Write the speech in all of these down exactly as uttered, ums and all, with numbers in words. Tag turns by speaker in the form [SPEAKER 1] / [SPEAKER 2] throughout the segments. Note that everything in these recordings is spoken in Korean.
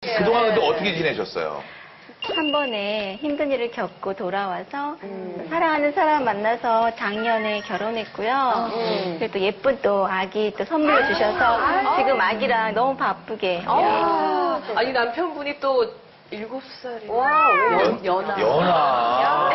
[SPEAKER 1] 그동안 근데 어떻게 지내셨어요?
[SPEAKER 2] 한 번에 힘든 일을 겪고 돌아와서 음. 사랑하는 사람 만나서 작년에 결혼했고요. 음. 그리고 또 예쁜 또 아기 또 선물로 주셔서 아, 지금 아기랑 너무 바쁘게.
[SPEAKER 3] 아, 네. 아니 남편분이 또 일곱 살이에요.
[SPEAKER 4] 와,
[SPEAKER 1] 연,
[SPEAKER 4] 연하.
[SPEAKER 1] 연하.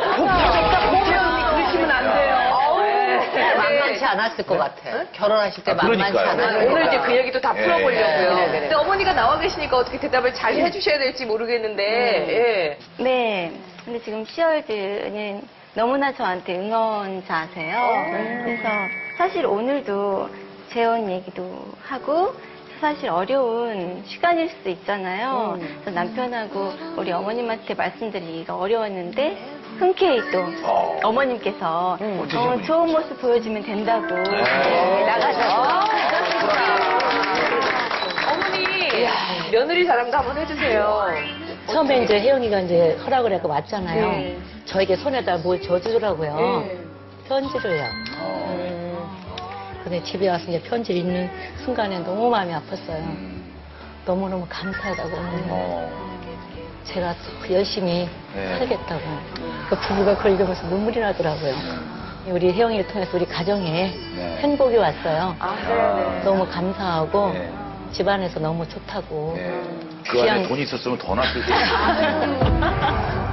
[SPEAKER 3] 보면 그러시면 안 돼요.
[SPEAKER 4] 만만치 않았을 것 같아. 결혼하실 때
[SPEAKER 1] 아,
[SPEAKER 4] 만만치
[SPEAKER 1] 그러니까요.
[SPEAKER 4] 않았을 것
[SPEAKER 3] 오늘
[SPEAKER 4] 같아.
[SPEAKER 3] 이제 그 얘기도 다
[SPEAKER 1] 예,
[SPEAKER 3] 풀어보려고요.
[SPEAKER 4] 예. 그래, 그래.
[SPEAKER 3] 근데 어머니가 나와 계시니까 어떻게 대답을 잘 해주셔야 될지 모르겠는데, 예.
[SPEAKER 2] 네. 근데 지금 시월드는 너무나 저한테 응원자세요. 그래서 사실 오늘도 재혼 얘기도 하고 사실 어려운 시간일 수도 있잖아요. 그래서 남편하고 우리 어머님한테 말씀드리기가 어려웠는데 흔쾌히 또
[SPEAKER 1] 어.
[SPEAKER 2] 어머님께서
[SPEAKER 1] 음,
[SPEAKER 2] 어, 좋은 모습 보여주면 된다고 네, 나가자고.
[SPEAKER 3] 어머니, 며느리 자랑도 한번 해주세요.
[SPEAKER 5] 처음에 이제 혜영이가 이제 허락을 해서 왔잖아요.
[SPEAKER 3] 네.
[SPEAKER 5] 저에게 손에다 뭘 줘주더라고요.
[SPEAKER 3] 네.
[SPEAKER 5] 편지를요.
[SPEAKER 1] 어.
[SPEAKER 5] 음. 근데 집에 와서 이제 편지를 읽는 순간에 너무 마음이 아팠어요.
[SPEAKER 1] 음.
[SPEAKER 5] 너무너무 감사하다고.
[SPEAKER 1] 어.
[SPEAKER 5] 제가 더 열심히
[SPEAKER 1] 네.
[SPEAKER 5] 살겠다고. 그 부부가 그걸 읽으면서 눈물이 나더라고요. 우리 혜영이를 통해서 우리 가정에
[SPEAKER 1] 네.
[SPEAKER 5] 행복이 왔어요.
[SPEAKER 3] 아, 네네.
[SPEAKER 5] 너무 감사하고
[SPEAKER 1] 네.
[SPEAKER 5] 집안에서 너무 좋다고.
[SPEAKER 1] 네. 그 안에
[SPEAKER 5] 귀한
[SPEAKER 1] 돈이 있었으면 더 낫을 텐데.